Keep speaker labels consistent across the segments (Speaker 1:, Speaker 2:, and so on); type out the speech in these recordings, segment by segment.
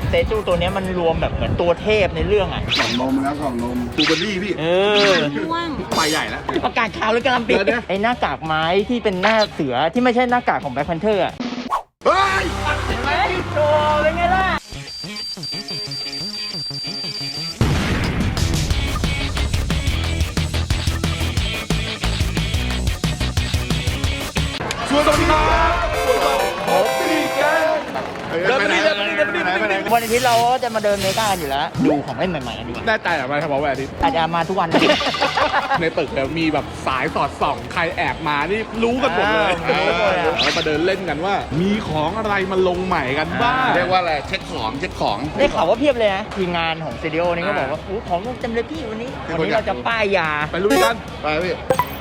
Speaker 1: เตจูตัวนี้มันรวมแบบเหมือนตัวเทพในเรื่องอ่ะ
Speaker 2: กล่องนมแล้วกล่องนมบูเบอรี่พี่ไปใหญ่แล้ว
Speaker 1: ประกาศข่าวเลยกำลังปิดไอ้หน้ากากไม้ที่เป็นหน้าเสือที่ไม่ใช่หน้ากากของแบล็คแพนเทอร์อ่ะ
Speaker 2: เฮ้ย
Speaker 1: เห็นไหมโชว์เป็นไงล่ะ
Speaker 2: สวัสดีครับผมพี่แกเดินไปนี่
Speaker 1: วันอาทิตย์เราก็จะมาเดินเมกากันอยู่แล้วดูของเล่นใหม่ๆกันดีกว่า
Speaker 3: ได้ใจหรือไม่ครับวันอาทิตย์
Speaker 1: อาจจะมาทุกวัน
Speaker 3: ในตึกมีแบบสายสอดส่องใครแอบมานี่รู้กันหมดเลยเรามาเดินเล่นกันว่ามีของอะไรมาลงใหม่กันบ้าง
Speaker 2: เรียกว่าอะไรเช็คของ
Speaker 1: ได้ข่าวว่าเพียบเลยนะทีมงานของซีดีโอนี่ก็บอกว่าของเต็มเลยพี่วันนี้เราจะป้ายยา
Speaker 3: ไปลุยกัน
Speaker 2: ไปพี่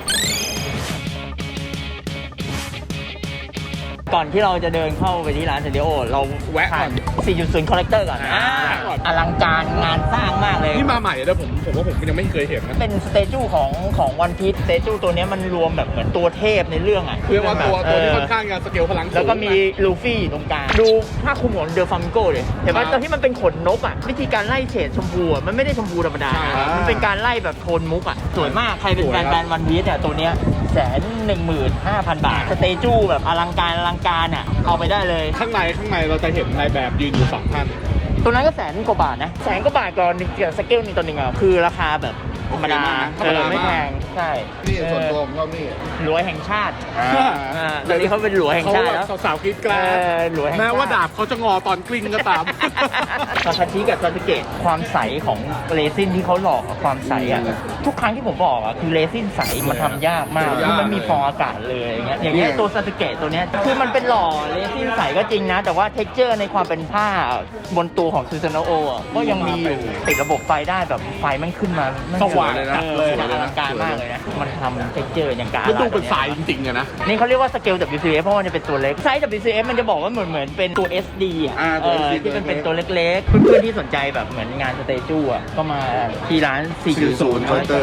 Speaker 1: ก่อนที่เราจะเดินเข้าไปที่ร้านสตูดิโอเรา
Speaker 3: แวะก่อน
Speaker 1: 4.0 คอลเลกเตอร์ก่อนอลังการงานสร้างมากเลย
Speaker 3: นี่มาใหม่แล้วผมว่าผมยังไม่เคยเห็นนะ
Speaker 1: เป็นสเตจูของวันพีซสเตจูตัวนี้มันรวมแบบเหมือนตัวเทพในเรื่องอ่ะ
Speaker 3: คือว่าตัวที่ค่อนข้างจะสเกลพลังสูง
Speaker 1: แล้วก็มีลูฟี่ตรงกลางดูผ้าคลุมของเดอะฟามิโก้เลยเห็นป่ะตอนที่มันเป็นขนนกอ่ะวิธีการไล่เฉดชมพูมันไม่ได้ชมพูธรรมดามันเป็นการไล่แบบโทนมุกอ่ะสวยมากใครเป็นแฟนวันพีซเนี่ยตัวเนี้ย115,000 บาทสเตจูแบบอลังการอ่ะเอาไปได้เลย
Speaker 3: ข้างในเราจะเห็นนายแบบยืนอยู่2 ท่าน
Speaker 1: ตัวนั้นก็100,000 กว่าบาทนะ100,000 กว่าบาทก่อนสเกลนึงต่อหนึ่งอ่ะคือราคาแบบธรรมดาไม่แพงใช่
Speaker 2: นี่ส่วนตัวผมก็นี่
Speaker 1: หลวงแห่งชาติตอนนี้เขาเป็นหลวงแห่งชาติแล้ว
Speaker 3: สาวกรี๊ดกราดแม้ว่าดาบเขาจะงอตอนกลิ้งก็ตาม
Speaker 1: ซาคาชิกับซาสึเกะความใสของเรซินที่เขาหลอกความใสอ่ะทุกครั้งที่ผมบอกอ่ะคือเรซินใสมันทำยากมากคือมันมีฟองอากาศเลยอย่างเงี้ยตัวซาสึเกะตัวเนี้ยคือมันเป็นหล่อเรซินใสก็จริงนะแต่ว่าเท็กเจอร์ในความเป็นผ้าบนตัวของซูซานโอก็ยังมีอยู่ติดระบบไฟได้แบบไฟมันขึ้นมา
Speaker 3: สว่างเลยนะ
Speaker 1: อลังการมากเลยนะมันทำเท็กเจอร์อย่างการ
Speaker 3: มันดูเป็นสายจริงๆนะ
Speaker 1: นี่เขาเรียกว่าสเกล WCF เพราะมันจะเป็นตัวเล็กไซส์ WCF มันจะบอกว่าเหมือนเป็นตัว SD อ่ะที่เป็นตัวเล็กๆเพื่อนๆที่สนใจแบบเหมือนงานสเตจูอ่ะก็มาที่ร้าน 4.0
Speaker 2: Counter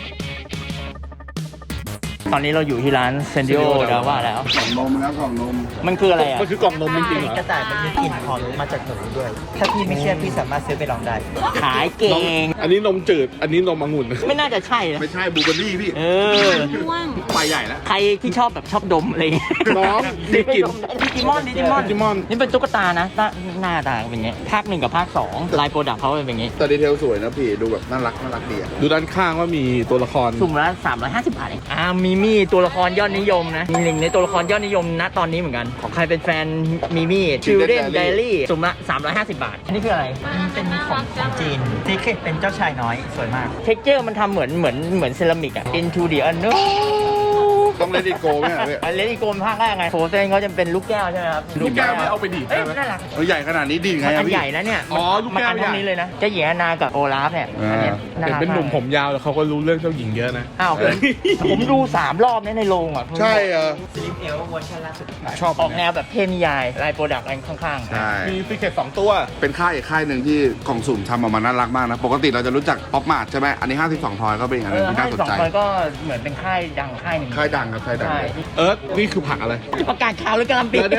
Speaker 1: ตอนนี้เราอยู่ที่ร้านเซนดิโอดาว่าแล้ว
Speaker 2: กล่องนมแล้วกล่องนม
Speaker 1: มันคืออะไรอ่ะ
Speaker 3: มันคือกล่องนมจริงๆเหรอก
Speaker 4: ระต่ายมันมีกลิ่นหอมมาจากหนูด้วย ถ้าพี่ไม่เชื่อพี่สามารถซื้อไปลองได้
Speaker 1: ขายเก่ง
Speaker 3: อันนี้นมจืดอันนี้นมองุ่น
Speaker 1: ไม่น่าจะใช่
Speaker 2: ไม่ใช่บูเบอรี่พี่ไปใหญ่แล้ว
Speaker 1: ใครที่ชอบแบบชอบดมอะไร
Speaker 3: น้องดิกิน
Speaker 1: ดิจิมอนนี่เป็นตุ๊กตานะหน้าตาเป็นอย่างเงี้ยภาค 1กับภาค 2ลายโปรดักต์เขาเป็นอย่างงี้
Speaker 2: แต่ดีเทลสวยนะพี่ดูแบบน่ารักดีอ่ะ
Speaker 3: ดูด้านข้างว่ามีตัวละคร
Speaker 1: สุ่มละ350 บาทเองมีตัวละครยอดนิยมนะมีหนึ่งในตัวละครยอดนิยมณตอนนี้เหมือนกันของใครเป็นแฟนมิมี่ Children Diary สุ่มละ350 บาทอันนี้คืออะไร
Speaker 4: เป็นของจีนซีเคร็ตเป็นเจ้าชายน้อยสวยมาก
Speaker 1: เท็กเจอร์มันทำเหมือนเซรามิกอะ Into the Unknown
Speaker 2: ต้องเลดี้โกไหมพี่
Speaker 1: เลดี้โกภาคแรกไงโฟเซนเขาจะเป็นลูกแก้วใช่ไหมครับ
Speaker 3: ลูกแก้วไม่เอาไปดีดใช่ไหม
Speaker 1: น่ารัก
Speaker 2: ใหญ่ขนาดนี้ดีไง
Speaker 1: มันใหญ่นะเนี่ย
Speaker 3: ลูกแก้ว
Speaker 1: มันนี้เลยนะเจ้าหญิงอนากับโอลาฟเนี่ย
Speaker 3: เป็นหนุ่มผมยาวแล้วเขาก็รู้เรื่องเจ้าหญิงเยอะนะ
Speaker 1: อ้าวผมดู3 รอบในโรงอ่ะ
Speaker 2: ใช่
Speaker 4: สลิปเอลเวอร์ชันล่าสุด
Speaker 3: ชอบ
Speaker 1: ออกแนวแบบเทพนิยายลายโปรดักต์อะไรข้าง
Speaker 3: ๆมีฟิกเกต2 ตัว
Speaker 2: เป็นค่ายหนึ่งที่กล่องสุ่มทำออกมาน่ารักมากนะปกติเราจะรู้จักป๊อปมาร์ทใช่ไหมอันนี้52 ทอยก็เป็นอะไรที่น่าสนใจ
Speaker 1: 52 ทอยก็เหมือนเป็นค่ายดังค่ายหนึ่ง
Speaker 2: ค่ายดังครับค่ายดัง
Speaker 3: นี่คือผักอะไร
Speaker 1: ประกาศข่าวเลยกำลังปิด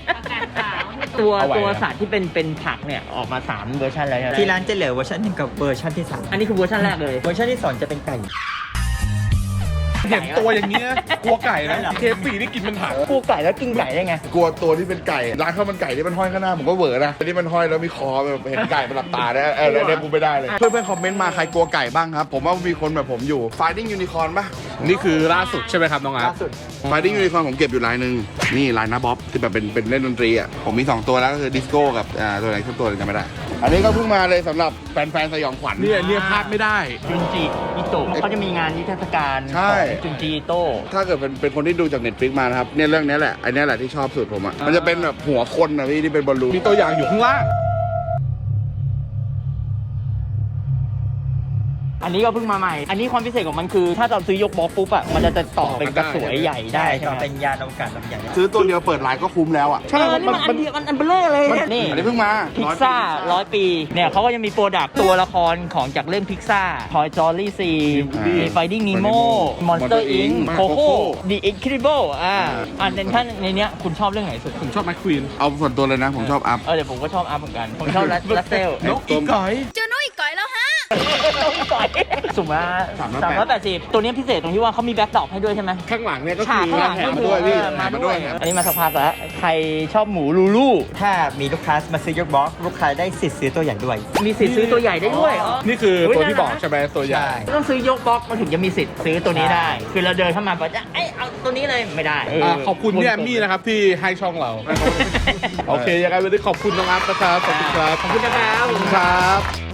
Speaker 1: ตัวสัตว์ที่เป็นผักเนี่ยออกมา3 เวอร์ชันแล้ว
Speaker 4: ที่ร้านจะเหลือเวอร์ชัน1กับเวอร์ชันที่3
Speaker 1: อันนี้คือเวอร์ชันแรกเลย
Speaker 4: เวอร์ชันที่2จะเป็นไก่
Speaker 3: เห็นตัวอย่างเงี้ยกลัวไก่นะเคฟสี่นี่กินเป็นผัก
Speaker 1: กลัวไก่แล้วกินไก่ได้ไง
Speaker 2: กลัวตัวที่เป็นไก่ร้านข้าวมันไก่ที่มันห้อยข้างหน้าผมก็เวอร์นะที่มันห้อยแล้วมีคอแบบเห็นไก่มันหลับตาได้แล้วเนี่ยกูไม่ได้เลยเพื่อนๆคอมเมนต์มาใครกลัวไก่บ้างครับผมว่ามีคนแบบผมอยู่ Finding Unicorn ป่ะ
Speaker 3: นี่คือล่าสุดใช่ไหมครับน้องอาร์ต
Speaker 2: Finding Unicorn ผมเก็บอยู่ลายนึงนี่ลายน้าบ๊อบที่แบบเป็นเล่นดนตรีอ่ะผมมี2 ตัวแล้วก็คือดิสโก้กับตัวไหนสักตัวจำไม่ได้อันนี้ก็เพิ่งมาเลยสำหรับแฟนสยองขวัญ
Speaker 3: เนี่ยพลาดไม่ได้
Speaker 1: จุนจิอิโตะเขาจะมีงานนิทรรศการจุนจิอิโตะ
Speaker 2: ถ้าเกิดเป็นคนที่ดูจาก Netflix มานะครับเนี่ยเรื่องนี้แหละไอ้นี่แหละที่ชอบสุดผมอ่ะมันจะเป็นแบบหัวคนนะพี่ที่เป็นบอลลูน
Speaker 3: มีตัวอย่างอยู่ข้างล่าง
Speaker 1: อันนี้ก็เพิ่งมาใหม่ อันนี้ความพิเศษของมันคือ ถ้าเราซื้อยกบล็อกปุ๊บอ่ะมันจะต่อเป็นกระสวยใหญ่ได้ใช่
Speaker 4: ก็
Speaker 1: ไหม
Speaker 4: เป็นยานอวกาศลำใหญ่
Speaker 2: ซื้อตัวเดียวเปิดร้านก็คุ้มแล้วอ่ะ
Speaker 1: ใช่นี่มันอันเดียวอันเบลอเลยนี่
Speaker 2: อันนี้เพิ่งมา
Speaker 1: พิซซ่า100 ปีเนี่ยเขาก็จะมีโปรดักต์ตัวละครของจากเรื่องพิซซ่า Toy Story 4 มี Finding Nemo Monster Inc. Coco The Incredible อันท่านในเนี้ยคุณชอบเรื่องไหนสุด
Speaker 3: ผมชอบแมคควีน
Speaker 2: เอาส่วนตัวเลยนะผมชอบอัพ
Speaker 1: เดี๋ยวผมก็ชอบอัพเหมือนกัน ผมชอบลัสเซล
Speaker 3: นกอีกอย
Speaker 5: เจอน้อยก่อยแล้วฮะ
Speaker 1: สุ่มละ380 ตัวนี้พิเศษตรงที่ว่าเขามีแบ็คดรอปให้ด้วยใช่ไหม
Speaker 3: ข้างหลังเนี่ยก็
Speaker 1: ฉา
Speaker 3: คื
Speaker 1: ก
Speaker 3: อ
Speaker 1: ข้างหลัง
Speaker 2: แถม
Speaker 1: ก็
Speaker 2: มา
Speaker 1: คือ
Speaker 2: ด้วยพี่
Speaker 1: มา
Speaker 2: แถมมาด้
Speaker 1: ด้ว
Speaker 2: วย ย
Speaker 1: อันนี้มาสักพักแล้ว ใครชอบหมูลูลู
Speaker 4: ถ้ามีลูกค้ามาซื้อยกบล็อกลูกค้าได้สิทธิ์ซื้อตัวใหญ่ด้วย
Speaker 1: มีสิทธิ์ซื้อตัวใหญ่ได้ด้วย
Speaker 3: นี่คือ
Speaker 1: เฮ้ย
Speaker 3: ตัวที่
Speaker 1: น่ารัก
Speaker 3: บอกใช่ไหมตัวใหญ่
Speaker 4: ใช่
Speaker 1: ต้องซื้อยกบล็อกมันถึงจะมีสิทธิ์ซื้อตัวนี้ได้ คือเราเดินเข้ามาบอกจะเอาตัวนี้เลยไม่ได้
Speaker 3: ขอบคุณพี่แอมมี่นะครับที่ให้ช่องเรา โอเคยังไงวันนี้ขอบคุณน้องอัพนะครับขอบคุณครับ
Speaker 1: ขอบคุณนะครับ
Speaker 3: ครับ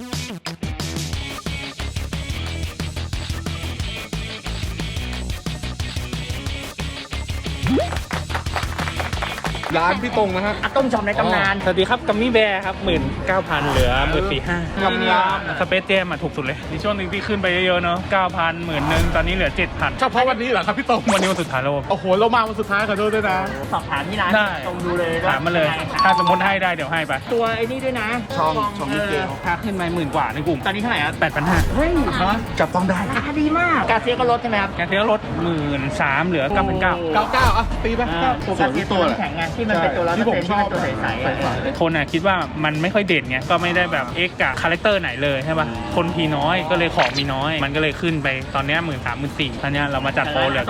Speaker 3: ร้านพี่ตรงนะฮะ
Speaker 1: อะต้มจอมในตำนาน
Speaker 6: สวัสดีครับกัมมี่แบร์ครับ 19,000 เหลือ 14,500
Speaker 3: กำลัง
Speaker 6: สเปซเจมถูกสุดเลย มีช่วงหนึ่งที่ขึ้นไปเยอะๆเนาะ 9,000 11,000 ตอนนี้เหลือ 7,000
Speaker 3: เฉพาะวันนี้เหรอครับพี่ตรง
Speaker 6: วันนี้วันสุดท้ายแล้ว
Speaker 3: โอ้โหเรามาวันสุดท้ายขอโทษด้วยนะ
Speaker 1: สอบถามที่ร้าน
Speaker 6: ได้
Speaker 1: ตรงดูเลย
Speaker 6: ถามมาเลย ถ้าสมมติให้ได้เดี๋ยวให้ไป
Speaker 1: ตัวไอ้นี่ด้วยนะ
Speaker 2: ช่องมิเกล
Speaker 6: ถ้าขึ้นมา10,000 กว่าในกลุ่ม
Speaker 1: ตอนนี้เท่าไหร่ครับ
Speaker 6: 8,500
Speaker 1: เฮ้ย
Speaker 2: จับต้องได้
Speaker 1: ราคาดีมาก กาเซียก็ลดใช่ไหมครับ
Speaker 6: แกเทียลด 13,000 เหลือ 9,900
Speaker 3: 99อ่ะตีไป
Speaker 1: ตัวกาเซียตัวน้ำแข็งไงที่มันเป็นตัวร้อยเปอร์เซ็นต์ที่เป็นตัวใสๆอะ
Speaker 6: คนอ่ะคิดว่ามันไม่ค่อยเด่นไง ก็ไม่ได้แบบเอ็กกับคาแรคเตอร์ไหนเลยใช่ป่ะ คนพีน้อยก็เลยของมีน้อย มันก็เลยขึ้นไปตอนเนี้ย13,000 14,000ตอนเนี้ยเรามาจัดโปรเหลือ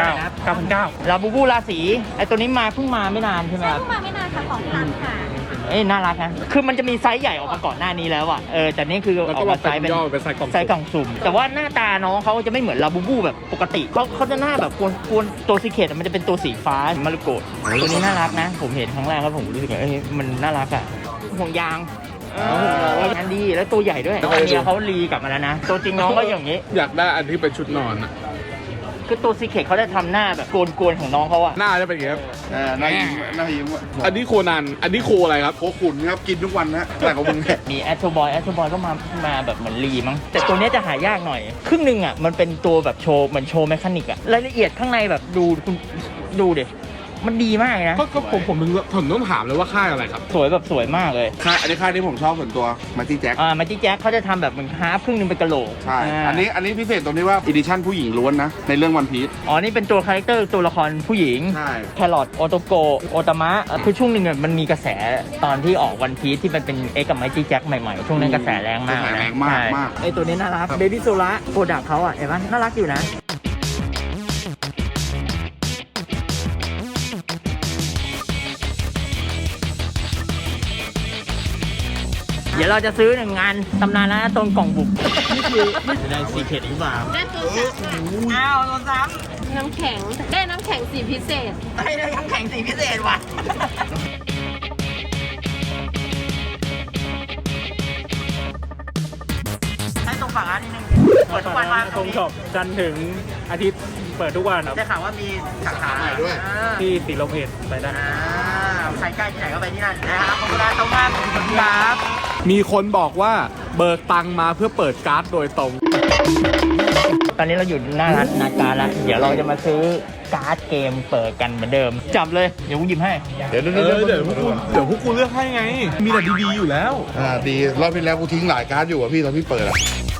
Speaker 6: 9,900
Speaker 1: ลาบูบูราศีไอ้ตัวนี้มาเพิ่งมาไม่นานใช่ไหมครับ
Speaker 5: เพิ่งมาไม่นานค่ะของที่ร้านค่ะ
Speaker 1: น่ารักนะคือมันจะมีไซส์ใหญ่ออกมาก่อนหน้านี้แล้วอ่ะแต่นี่คือ
Speaker 3: แล้ว
Speaker 1: อ
Speaker 3: ก็
Speaker 1: อก
Speaker 3: มา
Speaker 1: มาไซส์เป็น
Speaker 3: ย่อเป็นไซส์กล่อง
Speaker 1: ไซส์กล่องสุ่มแต่ว่าหน้าตาน้องเขาจะไม่เหมือนลาบูบูแบบปกติเขาจะหน้าแบบกวนตัวซีเคทมันจะเป็นตัวสีฟ้ามารุโกะตัวนี้น่ารักนะ ผมเห็นครั้งแรกแล้วผมรู้สึกว่ามันน่ารักอ่ะห่วงยางงานดีแล้วตัวใหญ่ด้วยอันนี้เขารีกลับมาแล้วนะตัวจริงน้องก็อย่างนี้
Speaker 3: อยากได้อันที่เป็นชุดนอนอะ
Speaker 1: คือตัวซีเคทเขาจะทำหน้าแบบโกนๆของน้องเขาอ่ะ
Speaker 3: หน้าจะเป็นอย่างเงี้ย
Speaker 2: น่ายิ้มว่ะ
Speaker 3: อันนี้โคนัน อันนี้โคอะไรครับ
Speaker 2: โคขุนครับกินทุกวันนะแต่ของมึงเนี่ย
Speaker 1: มีแอตโทบอยก็มาแบบเหมือนรีมั้งแต่ตัวเนี้ยจะหายากหน่อย ครึ่งหนึ่งอ่ะมันเป็นตัวแบบโชว์เหมือนโชว์แมคานิกอ่ะรายละเอียดข้างในแบบดูคุณดูดิมันดีมากเลยนะ
Speaker 3: ก็ผมต้องถามเลยว่าค่ายอะไรครับ
Speaker 1: สวยแบบสวยมากเลย
Speaker 2: อันนี้ค่ายที่ผมชอบส่วนตัวมาตี้แจ็ค
Speaker 1: มาจิแจ็คเขาจะทำแบบเหมือนฮาร์ฟครึ่งหนึงเป็นกะโหลก
Speaker 2: ใช่ อันนี้พิเศษตรงที่ว่าอีดิชั่นผู้หญิงล้วนนะ ในเรื่องวันพีช
Speaker 1: นี่เป็นตัวคาแรคเตอร์ตัวละครผู้หญิง
Speaker 2: ใช่
Speaker 1: แครอทโอโตโกโอตามะคือช่วงหนึ่งอะมันมีกระแสตอนที่ออกวันพีซที่มันเป็นเอ็กกับไมจี้แจ็คใหม่ๆ ช่วงนั้นกระแสแรงมาก
Speaker 2: กระแส
Speaker 1: นะ
Speaker 2: แรงมาก
Speaker 1: ใช่
Speaker 2: มาก
Speaker 1: ไอตัวนี้น่ารักเบบี้โซล่าโปรดักเขาอ่ะเห็นไหมน่ารักอยู่นะ เดี๋ยวเราจะซื้อหนึ่งงานตำนานแล้วนะตรงกล่องบุกนี่คือได้ซีเคทหรือเปล่า
Speaker 5: ได้ตัวจับค่ะ
Speaker 1: อ้าวตัวซ้
Speaker 5: น้ำแข็ง ได้น้ำแข็งสีพิเศษ
Speaker 1: ำได้น้ำแข็งสีพิเศษว่ะให้ตรงฝั่งร้านนิดนึงเปิดทุกวันมา
Speaker 6: ตรงช็อปจันทร์ถึงอาทิตย์เปิดทุกวันครับ
Speaker 1: ได้ข่าวว่ามีสาขา
Speaker 2: ใหม่ด้วย
Speaker 6: ที่สีลมเอ็ดไปได้
Speaker 1: ใครใกล้ที่ไหนก็ไปที่นั่นนะครับขอบคุณนะตรงมากขอบคุณครับ
Speaker 3: มีคนบอกว่าเบิกตังค์มาเพื่อเปิดการ์ดโดยตรง
Speaker 1: ตอนนี้เราอยู่หน้าร้านนาการแล้วเดี๋ยวเราจะมาซื้อการ์ดเกมเปิดกันเหมือนเดิมจับเลยเดี๋ยวกูหยิบให้
Speaker 2: เดี๋ยว
Speaker 3: เดี๋ยวพวกกูเลือกให้ไง มีแต่ดีๆอยู่แล้ว
Speaker 2: ดีรอบที่แล้วกูทิ้งหลายการ์ดอยู่อ่ะพี่ตอนพี่เปิดอ่ะ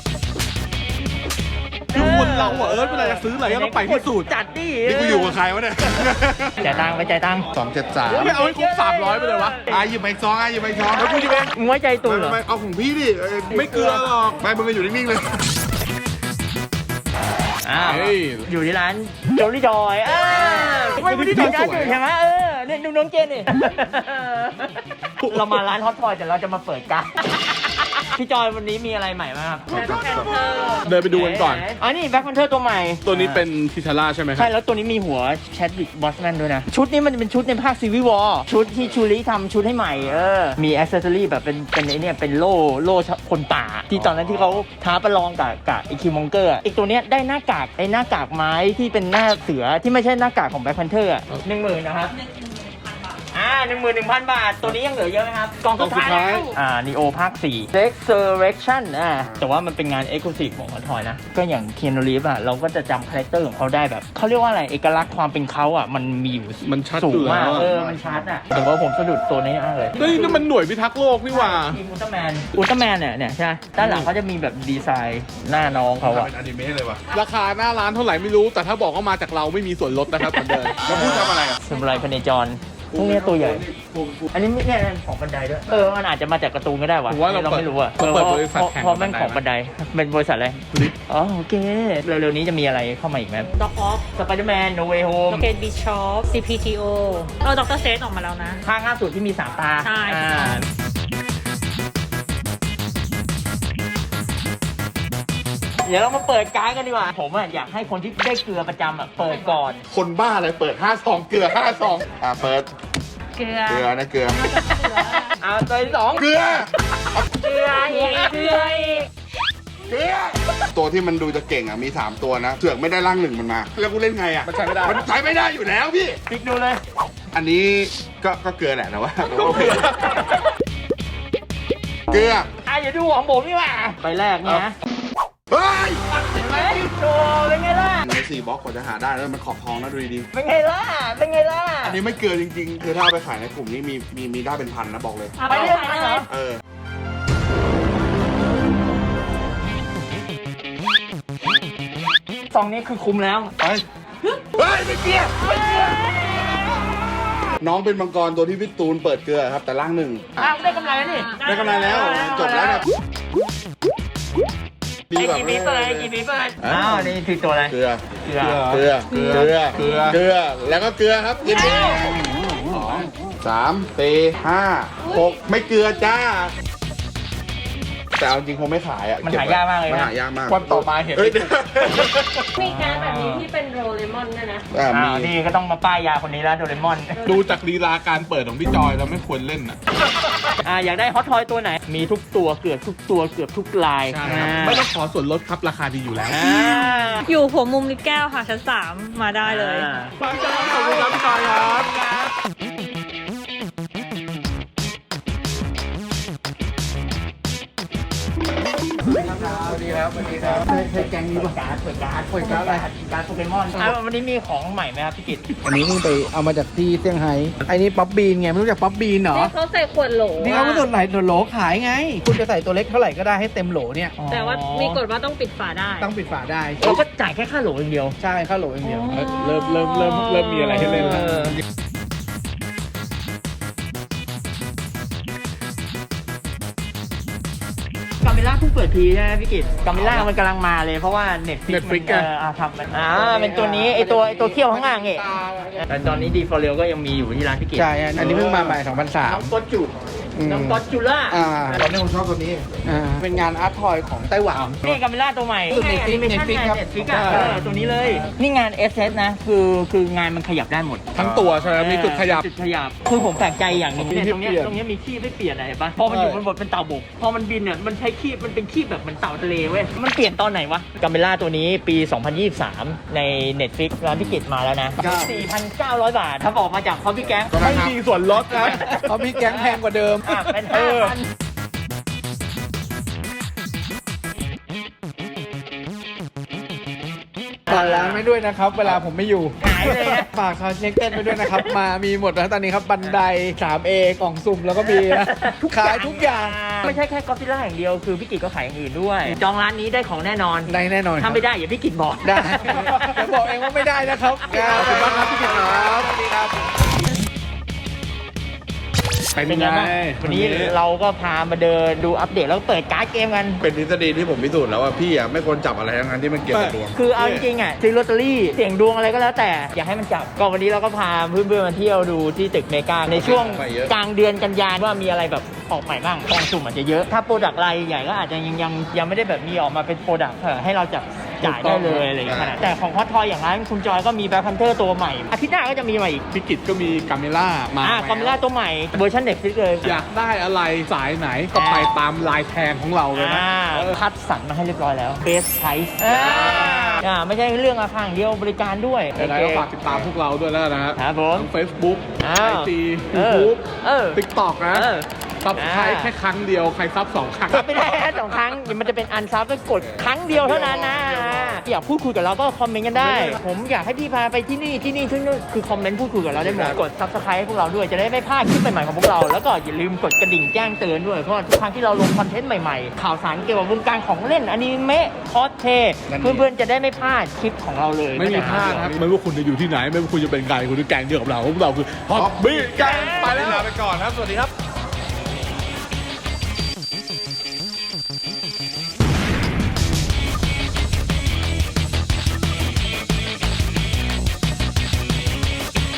Speaker 3: ดูเราอะเวลาจะซื้ออะไรก็ต้องไปที่สุด
Speaker 1: จัดดิ
Speaker 2: นี่กูอยู่กับใครวะเนี่ย
Speaker 1: จ่ายตังค์ไปจ่ายตังค์
Speaker 2: 273
Speaker 3: ไม่เอาให้ครบ300ไปเลยวะ
Speaker 2: หยิบไปอีกซองหยิบไปอีกซอง
Speaker 3: แล้วกูจะไป
Speaker 1: มึงไว้ใจตูนเหรอ
Speaker 2: ไม่เอาของพี่ดิ
Speaker 3: ไม่เกลือหรอก
Speaker 2: ไม่มึงก็อยู่นิ่งๆเลย
Speaker 1: อ้าว
Speaker 3: เฮ้ย
Speaker 1: อยู่ที่ร้านโจลี่จอยไม่ได้ทำการอยู่ใช่ไหมเนี่ยดูน้องเจนดิ เรามาร้านฮอตทอยแต่เราจะมาเปิดการ์ดพี่จอยวันนี้มีอะไรใหม่ไหมครับ
Speaker 3: เดินไปดูกันก่อน
Speaker 1: นี่แบ็คแพนเทอร์ตัวใหม่
Speaker 3: ตัวนี้เป็นทิชาร่าใช่ไหมครั
Speaker 1: ใช่
Speaker 3: บ
Speaker 1: แล้วตัวนี้มีหัวแชดวิกบอสแมนด้วยนะ ชุดนี้มันเป็นชุดในภาคซีวิวอร์ชุดที่ชูริทำชุดให้ใหม่มีแอคเซสซอรี่แบบเป็นไอเนี่ยเป็นโล่คนป่า ที่ตอนนั้นที่เขาท้าประลองกับไอคิวมองเกอร์อีกตัวเนี้ยได้หน้ากากไม้ที่เป็นหน้าเสือที่ไม่ใช่หน้ากากของแบ็คแพนเทอร์10,000นะครับ 11,000 บาท ตัวนี้ยังเหลือเยอะไหมครับกล่องสุดท้าย
Speaker 3: กล่องสุดท้าย
Speaker 1: Neo ภาค 4 Resurrection แต่ว่ามันเป็นงาน Exclusive ของคอนทอยนะ ก็อย่างเคียนูรีฟเราก็จะจำคาแรคเตอร์ของเขาได้แบบเขาเรียกว่าอะไร เอกลักษณ์ความเป็นเขามันมีอยู่
Speaker 3: มันชัด
Speaker 1: สู
Speaker 3: อง ยู่
Speaker 1: มาก
Speaker 3: แล้ว
Speaker 1: มันชัดแต่ว่าผมสะดุดตัวนี้มากเลย
Speaker 3: เฮ้ยนี่มันหน่วยพิทักษ์โลกนี่หว่า
Speaker 1: ทีมอุลตร้าแมนเนี่ยใช่ไหมด้านหลังเขาจะมีแบบดีไซน์หน้าน้องเขาอะ
Speaker 2: เป็นอนิเมะเลยว่ะ
Speaker 3: ราคาหน้าร้านเท่าไหร่ไม่รู้ แต่ถ้าบอกว่ามาจากเราไม่มีส่วนลดนะครับเหมือนเดิม
Speaker 2: แล้วพูดทำอะไรอ่ะ
Speaker 1: สมุไรพเนจรพวกนี้ตัวใหญ่ อันนี้เนี่ยของบันไดด้วย มันอาจจะมาจากการ์ตูนก็ได้วะ
Speaker 3: ผมว่าเรา
Speaker 1: ไม่รู้อะ
Speaker 3: เปิดบริษัทแข่ง
Speaker 1: เพราะแม่งของ
Speaker 3: บั
Speaker 1: บั
Speaker 3: น
Speaker 1: น
Speaker 3: ได
Speaker 1: ได เป็นบริษัทอะไรอ๋อโอเค เร็วๆนี้จะมีอะไรเข้ามาอีกไหม
Speaker 7: ด็อกออฟ
Speaker 1: สไปเดอร์แมนโนเวโฮม
Speaker 7: โลเกตบิชอป CPTO ด็อกเตอร์เซตออกมาแล้วนะ
Speaker 1: ภาคล่าสุดที่มี3 ตา
Speaker 7: ใช่
Speaker 1: เดี๋ยวเรามาเปิดการ์ดกันดีกว่า ผมอยากให้คนที่ได้เกลือประจำเปิดก่อน
Speaker 2: คนบ้าอะไรเปิด5 ซองเกลือ5 ซองเปิด
Speaker 7: เกลือ
Speaker 2: เกลือนะเกลือ
Speaker 1: เอาตัวที่ 2
Speaker 2: เกลือ
Speaker 1: เกลืออีกเกลืออีก
Speaker 2: เกลือตัวที่มันดูจะเก่งมี3 ตัวนะเสือกไม่ได้ร่าง1มันมาแล้วกูเล่นไงมันใช้ไม่ได้มันใช้ไม่ได้อยู่แล้วพี่
Speaker 1: ปิกดูเลย
Speaker 2: อันนี้ก็เกลือแหละแต่ว่าโอเคเกลือ
Speaker 1: เดี๋ยวดูของผมดีกว่าไปแรกเนี่ยนะ
Speaker 2: เฮ้ย
Speaker 1: เห็นไหมโชว์เป็นไงล่ะ
Speaker 2: ใน4 บล็อกกว่าจะหาได้แล้วมันขอบทองนะดูดี
Speaker 1: เป็นไงล่ะ เป็นไงล่ะ
Speaker 2: ๆอันนี้ไม่เกลือจริงๆคือถ้าเอาไปขายในกลุ่มนี้มีได้เป็นพันนะบอกเลย
Speaker 1: ไปเรื่อยๆเหรอ ซองนี้คือคุ้มแล้ว
Speaker 2: ไปเฮ้ยไม่เกลือน้องเป็นมังกรตัวที่พี่ตูนเปิดเกลือครับแต่ร่าง1
Speaker 1: ได้กำไรแล้วนี่
Speaker 2: ได้กำไรแล้วจบแล้วนะ
Speaker 1: ไอ้กี่ปีเปิดไอ้กี่ปีเปิดนี่คือตัวอะไร
Speaker 2: เกลือ
Speaker 1: เกลือ
Speaker 2: เกลือเกลือเกลือเกลือแล้วก็เกลือครับกินไป3 4 5 6ไม่เกลือจ้าแต่เอาจริงคงไม่ขายอ่ะ
Speaker 1: มันหายากมากเลยนะ
Speaker 2: มันหายากมาก
Speaker 3: วันต่อมาเห็น
Speaker 2: เฮ้ย
Speaker 5: มีการแบบนี้ที่เป็นโรเลมอนด้วยนะ
Speaker 2: มี
Speaker 1: นี่ก็ต้องมาป้ายยาคนนี้แล้วโดเรมอน
Speaker 3: ดูจากลีลาการเปิดของพี่จอยเราไม่ควรเล่นอ่ะ
Speaker 1: อยากได้ฮอตทอยตัวไหน มีทุกตัวเกือบทุกตัวเกือบทุกลาย
Speaker 3: ใช่ครับไม่ต้องขอส่วนลดครับราคาดีอยู่แล้ว
Speaker 7: อยู่หัวมุมลิฟต์แก้วค่ะ ชั้น 3 มาได้เลย
Speaker 3: ฟังจ้าขอบคุณครับพี่จอยครับ
Speaker 2: สวัสดีครับเคยแกงนี้ป่ะ
Speaker 1: การ์ดอะไรการ์ดโปเกมอนวันนี้มีของใหม่ไหมครับพี่กิต
Speaker 4: อันนี้เพิ่งไปเอามาจากที่เซี่ยงไฮ้ไอ้นี่ป๊อปบีนไงไม่รู้จักป๊อปบีนเหรอ
Speaker 5: ที่เขาใส่ขวดโหล
Speaker 4: นี่เขาไม่สนไหนโหลขายไง คุณจะใส่ตัวเล็กเท่าไหร่ก็ได้ให้เต็มโหลเนี่ย
Speaker 5: แต่ว่ามีกฎว่าต้องปิดฝาได้
Speaker 4: ต้องปิดฝาได้
Speaker 1: เราก็จ่ายแค่ค่าโหลอย่างเดียว
Speaker 4: ใช่ค่าโหลอย่างเดียว
Speaker 3: เริ่มมีอะไรให้เล่นแล้ว
Speaker 1: กามิล่าเพิ่งเปิดทีใช่ไหมพี่กิตกามิล่ามันกำลังมาเลยเพราะว่าเน็ตฟิก
Speaker 3: Netflix
Speaker 1: ทำมันเป็นตัวนี้ไอตัวเขี้ยวข้างล่างนี่แต่ตอนนี้ดีฟอร์เรลก็ยังมีอยู่ที่ร้านพี่กิต
Speaker 4: ใช่อันนี้เพิ่งมาใหม่
Speaker 1: น้อง
Speaker 4: 2003
Speaker 1: ก็จูน้องก็จูล่า
Speaker 2: ตอนนี้ผมชอบตัวนี้
Speaker 4: เป็นงานอาร์ตทอยของไต้หวัน
Speaker 1: นี่กามิล่าตัวใหม่
Speaker 4: Netflix ครับ
Speaker 1: เน็ตฟิกตัวนี้เลย นี่งาน SS นะคืองานมันขยับได้หมด
Speaker 3: ทั้งตัวใช่ไหมมีจุดขยับ
Speaker 1: จุดขยับคือผมแปลกใจอย่างหนึง
Speaker 3: มี
Speaker 1: เนี่ย
Speaker 3: ที่
Speaker 1: ตรงเนี้ย
Speaker 3: เปลี่ยน
Speaker 1: มีขี้ไม่เปลี่ยนอะไรปะพอมันอยู่บนบทเป็นเต่าบกพอมันบินเนี่ยมันใช้ขี้มันเป็นขี้แบบเหมือนเต่าทะเลเว้ยมันเปลี่ยนตอนไหนวะกามิล่าตัวนี้ปี 2023 ใน Netflix ร้านพิกิตมาแล้วนะ 4,900 บาท ถ้าบอกมาจากคอฟฟี่แก๊ง
Speaker 3: ไม่มีส่วนลดนะ
Speaker 4: เขามีแก๊งแพงกว่าเดิม
Speaker 1: เป็น 5,000
Speaker 4: ฝากร้านไว้ด้วยนะครับ เวลาผมไม่อยู่
Speaker 1: หายเลยนะ
Speaker 4: ฝากคาเช็คเต้นไปด้วยนะครับ มามีหมดนะตอนนี้ครับบันได 3A กล่องสุ่มแล้วก็มีนะขายทุกอย่าง
Speaker 1: ไม่ใช่แค่กอฟฟิล่าอย่างเดียวคือพี่กิตก็ขายอย่างอื่นด้วย จองร้านนี้ได้ของแน่นอน
Speaker 4: ได้แน่นอนค
Speaker 1: ถ้า
Speaker 4: รับ
Speaker 1: ไม่ได้อย่าพี่กิตบอก
Speaker 4: ได้จะบอกเองว่าไม่ได้นะครับ
Speaker 1: ขอบคุณมากครับพี่กิตครับ
Speaker 4: สวัสดีครับ
Speaker 3: เป็นไง
Speaker 1: บ้างวันนี้เราก็พามาเดินดูอัปเดตแล้วก็เปิดการ์ดเกมกัน
Speaker 2: เป็นทฤษฎีที่ผมพิสูจน์แล้วว่าพี่ไม่ควรจับอะไรทั้งนั้นที่มันเกี่ยวกับดวง
Speaker 1: คือเอาจริงๆซื้อลอตเตอรี่เสี่ยงดวงอะไรก็แล้วแต่อย่าให้มันจับก็วันนี้เราก็พาเพื่อนๆมาเที่ยวดูที่ตึกเมกาในช่วง
Speaker 2: ไปเยอะ
Speaker 1: กลางเดือนกันยายนว่ามีอะไรแบบออกใหม่บ้างกองสุ่มอาจจะเยอะถ้าโปรดักต์รายใหญ่ก็อาจจะยังไม่ได้แบบมีออกมาเป็นโปรดักต์ให้เราจับจ่ายได้เลยอะไรอย่างเงี้ยขนาดแต่ของฮอตทอยอย่างนั้นคุณจอยก็มีแบล็คแพนเทอร์ตัวใหม่อาทิตย์หน้าก็จะมีมาอีก
Speaker 3: พิกิตก็มีกาเมล่ามา
Speaker 1: คอมมิล่าตัวใหม่เวอร์ชันเด็กฟิกเลย
Speaker 3: อยากได้อะไรสายไหนก็ไปตามลายแทงของเราเลยนะ
Speaker 1: คัดสรรมาให้เรียบร้อยแล้วเบสไพรส์ไม่ใช่เรื่องราคาอย่างเดียวบริการด้วย
Speaker 3: ยังไงก็ฝากติดตามพวกเราด้วยแล้วนะฮะ
Speaker 1: ครับผม
Speaker 3: ทั้ง Facebook
Speaker 1: อ้าว
Speaker 3: IG YouTube
Speaker 1: เออ
Speaker 3: TikTok นะ
Speaker 1: เออ
Speaker 3: ซับใครแค่ครั้งเดียวใครซับ2 ครั้ง
Speaker 1: ไม่ได้สองครั้งมันจะเป็นอันซับก็กดครั้งเดียวเท่านั้นนะอยากพูดคุยกับเราก็คอมเมนต์กันได้ ผมอยากให้พี่พาไปที่นี่ที่นู่นคือคอมเมนต์พูดคุยกับเราได้หมดกดซับสไครต์ให้พวกเราด้วยจะได้ไม่พลาดคลิปใหม่ๆของพวกเราแล้วก็อย่าลืมกดกระดิ่งแจ้งเตือนด้วยเพราะทุกครั้งที่เราลงคอนเทนต์ใหม่ๆข่าวสารเกี่ยวกับวงการของเล่นอนิเมะคอสเพย์เพื่อนๆจะได้ไม่พลาดคลิปของเราเลย
Speaker 3: ไม่มีพลาดครับไม่ว่าคุณจะอยู่ที่ไหนไม่ว่าคุณจะเป็นใครคุณจะแกงเดียวกับเราพวกเราคือฮอตบี้แกงไปแล้ว
Speaker 2: ลาไปก่อนครับ สวัสดีครับ